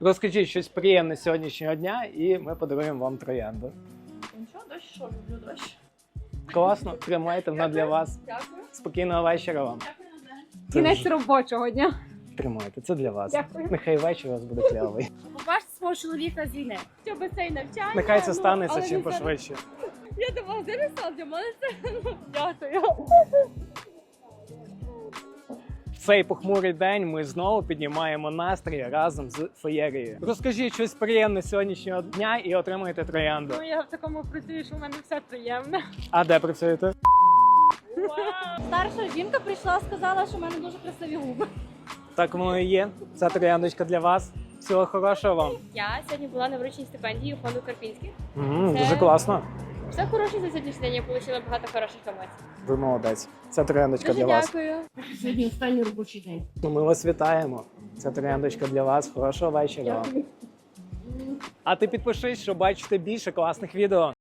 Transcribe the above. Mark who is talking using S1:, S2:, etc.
S1: Розкажіть щось приємне з сьогоднішнього дня і ми подаруємо вам троянду.
S2: Нічого, дощ, що люблю дощ.
S1: Класно, тримайте, вона для вас.
S2: Дякую.
S1: Спокійного вечора вам.
S2: Дякую, Назар.
S3: Кінець робочого дня.
S1: Тримайте, це для вас.
S3: Дякую.
S1: Нехай вечір у вас буде клявий.
S2: Побачте свого чоловіка з війни. Щоб цей навчання.
S1: Нехай це станеться
S2: але
S1: чим
S2: він зараз-
S1: пошвидше.
S2: Я думала, зараз для мене це. Дякую.
S1: В цей похмурий день ми знову піднімаємо настрій разом з феєрією. Розкажіть щось приємне з сьогоднішнього дня і отримуєте троянду.
S2: Ну, я в такому працюю, що в мене все приємно.
S1: А де працюєте?
S2: Старша жінка прийшла, сказала, що в мене дуже красиві губи.
S1: Так воно і є. Ця трояндочка для вас. Всього хорошого вам.
S2: Я сьогодні була на врученні стипендії у фонду Карпінських.
S1: Дуже
S2: Це-
S1: класно.
S2: Все хороше за сьогоднішній день, я отримала багато хороших емоцій.
S1: Ви молодець. Це трояндочка
S2: Дуже
S1: для вас.
S2: дякую.
S3: Сьогодні останній робочий день.
S1: Ну, ми вас вітаємо. Це трояндочка для вас. Хорошого вечора вам. А ти підпишись, щоб бачити більше класних відео.